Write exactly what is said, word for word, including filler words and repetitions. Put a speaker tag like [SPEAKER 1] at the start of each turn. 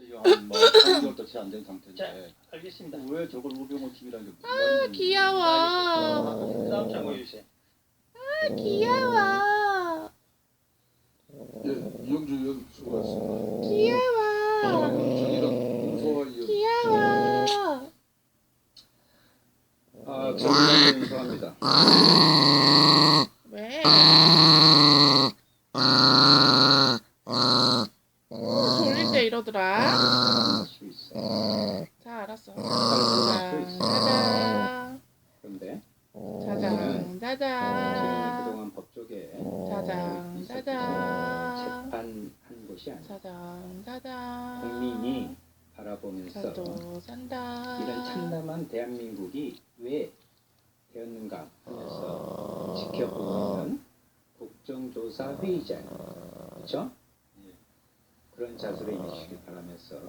[SPEAKER 1] 지금 한뭐 삼 개월도 채 안 된 상태인데
[SPEAKER 2] 알겠습니다.
[SPEAKER 1] 왜 저걸 우병우집이라는 게 무슨
[SPEAKER 3] 아
[SPEAKER 1] 말인지
[SPEAKER 3] 귀여워.
[SPEAKER 2] 그 다음 장 보여주세요.
[SPEAKER 3] 아 귀여워.
[SPEAKER 4] 예, 이영주 의원 수고하셨습니다.
[SPEAKER 3] 귀여워.
[SPEAKER 4] 정의당 공소화 의원.
[SPEAKER 3] 귀여워.
[SPEAKER 1] 아 정의당도 인수합니다.
[SPEAKER 3] 왜? 졸릴 때 이러더라.
[SPEAKER 1] 할 수 있어.
[SPEAKER 3] 자 알았어.
[SPEAKER 1] 할 수 있어.
[SPEAKER 3] 짜잔.
[SPEAKER 1] 그런데
[SPEAKER 3] 짜잔. 짜잔.
[SPEAKER 1] 그동안 법조계
[SPEAKER 3] 짜잔. 짜잔.
[SPEAKER 1] 재판한 곳이 아니라
[SPEAKER 3] 짜잔. 짜잔.
[SPEAKER 1] 국민이 바라보면서
[SPEAKER 3] 살도 산다.
[SPEAKER 1] 이런 참담한 대한민국이 왜 되었는가 하면서 지켜보고 있는 국정조사 회의장, 그렇죠? 그런 자세로 임해주시길 바라면서